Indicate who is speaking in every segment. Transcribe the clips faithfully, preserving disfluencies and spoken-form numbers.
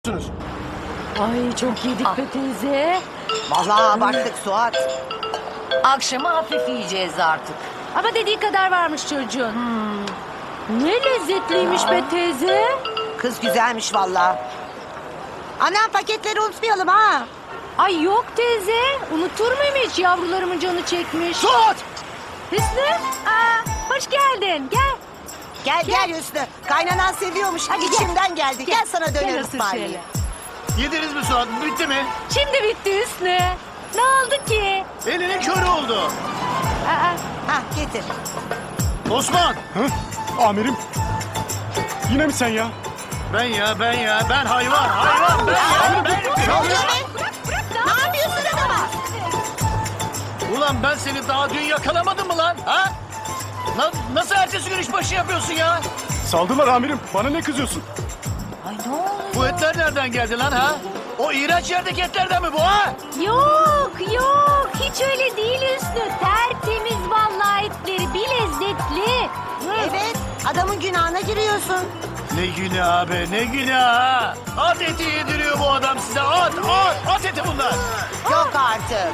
Speaker 1: Ay çok yedik be teyze.
Speaker 2: Vallahi abarttık Suat.
Speaker 3: Akşama hafif yiyeceğiz artık.
Speaker 1: Ama dediği kadar varmış çocuğun. Ne lezzetliymiş be teyze.
Speaker 2: Kız güzelmiş vallahi. Anam paketleri unutmayalım ha.
Speaker 1: Ay yok teyze. Unutur muyum hiç, yavrularımın canı çekmiş.
Speaker 2: Suat!
Speaker 1: Hüsnü, aa, hoş geldin. Gel.
Speaker 2: Gel gel Hüsnü. Kaynanan seviyormuş.
Speaker 1: Hadi gel.
Speaker 2: İçimden geldi. Gel, sana
Speaker 1: Gel
Speaker 2: döner
Speaker 1: ısır
Speaker 2: ısmarlayayım.
Speaker 1: şöyle.
Speaker 4: Yediniz mi Suat? Bitti mi?
Speaker 1: Şimdi bitti Hüsnü. Ne oldu ki?
Speaker 4: Elinin körü oldu.
Speaker 1: Aa,
Speaker 2: Hah getir.
Speaker 4: Osman.
Speaker 5: Hı? Amirim. Yine mi sen ya?
Speaker 4: Ben ya ben ya ben hayvan hayvan ben ya ben.
Speaker 2: Ne oluyor be? Ne yapıyorsun adama?
Speaker 4: Ulan ben seni daha dün yakalamadım mı lan? Ha? Na- nasıl ertesi gün işbaşı yapıyorsun ya?
Speaker 5: Saldılar amirim. Bana ne kızıyorsun?
Speaker 3: Ay ne oluyor?
Speaker 4: Bu etler nereden geldi lan ha? O iğrenç yerdeki etlerden mi bu ha?
Speaker 1: yok yok, hiç öyle değil Hüsnü. Tertemiz vallahi etleri, bir lezzetli.
Speaker 2: Evet. Adamın günahına giriyorsun.
Speaker 4: Ne günah be ne günah. At eti yediriyor bu adam size at at at eti bunlar.
Speaker 2: Yok artık.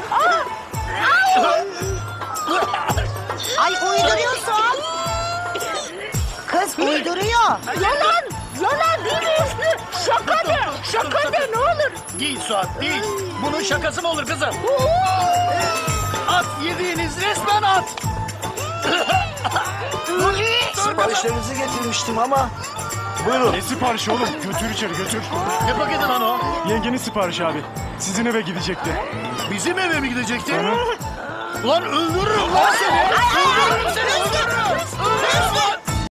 Speaker 2: Ay uyduruyor Suat. Kız uyduruyor.
Speaker 1: Yalan, yalan değil mi Hüsnü? Şaka de, şaka de ne olur.
Speaker 4: Değil Suat değil. Bunun şakası mı olur kızım? At yediğiniz resmen at.
Speaker 6: Siparişlerinizi getirmiştim ama. Buyurun.
Speaker 5: Ne siparişi oğlum? Götür içeri götür.
Speaker 4: Ne paketi lan o?
Speaker 5: Yengenin siparişi abi. Sizin eve gidecekti.
Speaker 4: Bizim eve mi gidecekti?
Speaker 5: Hı.
Speaker 4: Ulan öldürürüm lan seni.
Speaker 2: Ay ay ay. Hüsnü. Hüsnü.